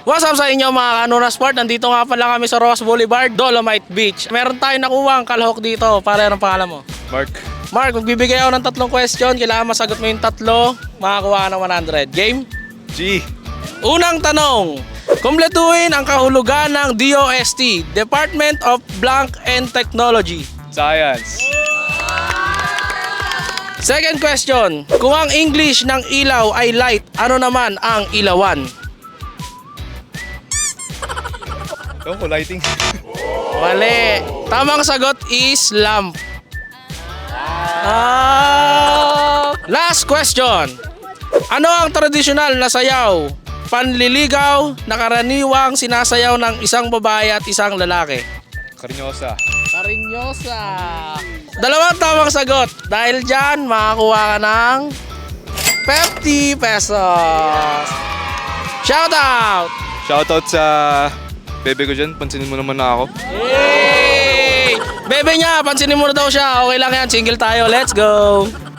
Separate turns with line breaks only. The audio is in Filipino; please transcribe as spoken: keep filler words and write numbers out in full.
What's up sa inyo mga Kanuna Sport? Nandito nga pala kami sa Ross Boulevard, Dolomite Beach. Meron tayong nakuha ang kalahok dito. Pare, anong pangalan mo?
Mark.
Mark, magbibigay ako ng tatlong question. Kailangan masagot mo yung tatlo. Makakuha ka ng one hundred. Game?
G.
Unang tanong. Kumpletuhin ang kahulugan ng D O S T, Department of Blank and Technology.
Science.
Second question. Kung ang English ng ilaw ay light, ano naman ang ilawan?
Ewan ko, lighting.
Mali. Tamang sagot is lamp. Ah. Last question. Ano ang tradisyonal na sayaw, panliligaw na karaniwang sinasayaw ng isang babae at isang lalaki?
Karinyosa.
Karinyosa. Dalawang tamang sagot. Dahil dyan, makakuha ka ng fifty pesos. Shout out!
Shoutout sa bebe ko dyan. Pansinin mo naman na ako.
Yay! Bebe niya, pansinin mo na daw siya. Okay lang yan, single tayo. Let's go!